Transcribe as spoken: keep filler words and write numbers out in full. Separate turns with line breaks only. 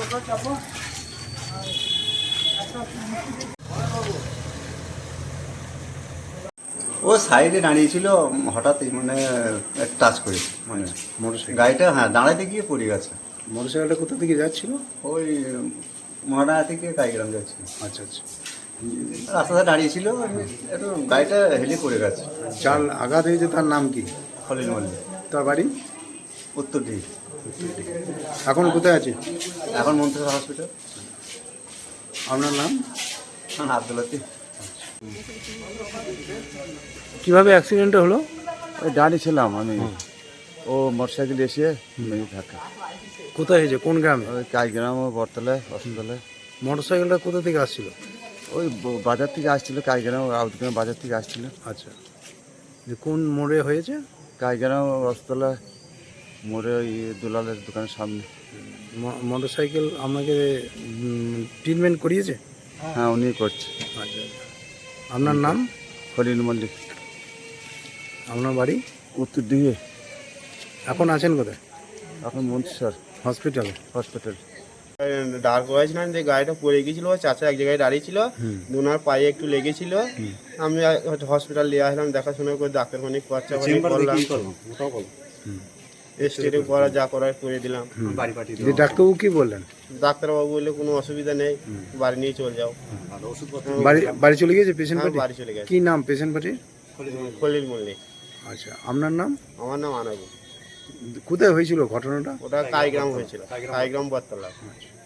ও সাইডে দাঁড়িয়েছিল, হঠাৎই মানে টাচ করেছে, মানে
মোটরসাইকেল
গাড়িটা হ্যাঁ দাঁড়াতে গিয়ে পড়ে গেছে।
মোটরসাইকেলটা কোথা থেকে যাচ্ছিল?
ওই মহাডাঙ্গা থেকে কাইগ্রাম যাচ্ছিল।
আচ্ছা আচ্ছা।
রাস্তাতে দাঁড়িয়েছিল, একটু গাড়িটা হেলে পড়ে গেছে।
যার আঘাত হয়েছে তার নাম কি?
খলিল মল্লিক,
তার বাড়ি
উত্তর দিক।
এখন কোথায় আছে?
এখন মন্ত্রিসভা হসপিটাল।
আপনার নাম?
হ্যাঁ, আব্দুল লতিফ।
কিভাবে অ্যাক্সিডেন্টটা হলো?
ওই দাঁড়িয়েছিলাম আমি, ও মোটরসাইকেল এসে মেরে থাকে।
কোথায় হয়েছে, কোন গ্রামে?
ওই কাইগ্রাম ও বরতলায় হসপিটালে।
মোটরসাইকেলটা কোথা থেকে আসছিল?
ওই ব- বাজার থেকে আসছিল, কাইগ্রাম আউটগ্রাম বাজার থেকে আসছিল।
আচ্ছা, যে কোন মোড়ে হয়েছে?
কাইগ্রাম হসপিটালে মোড়ে ওই দুলালের দোকানের সামনে।
ম- মোটরসাইকেল আপনাকে ট্রিটমেন্ট করিয়েছে?
হ্যাঁ, উনি করছে।
আচ্ছা, আপনার নাম?
খলিল মল্লিক।
আপনার বাড়ি?
উত্তর দিকে।
এখন আছেন কোথায়?
এখন মন্ত্রিসর
হসপিটালে।
হসপিটাল।
দাঁড় করেছিলাম যে গাড়িটা পড়ে গেছিল, চাচা এক জায়গায় দাঁড়িয়ে ছিল, দুনার পায়ে একটু লেগেছিল। আমি হসপিটাল নিয়ে আসলাম, দেখাশোনা করে ডাক্তারখানি খরচা করলাম, স্টেটে করা যা করার করে দিলাম।
যে ডাক্তারবাবু কি বললেন?
ডাক্তারবাবু বললে কোনো অসুবিধা নেই, বাড়ি নিয়ে চলে যাও।
বাড়ি বাড়ি চলে গেছে পেশেন্ট
হ্যাঁ,
পার্টি?
বাড়ি চলে গেছে।
কি নাম পেশেন্ট পার্টির?
খলিল মল্লিক।
আচ্ছা, আপনার নাম?
আমার নাম আনাবু।
কোথায় হয়েছিল ঘটনাটা?
ওটা কাইগ্রাম হয়েছিল, কাইগ্রাম বরতলা।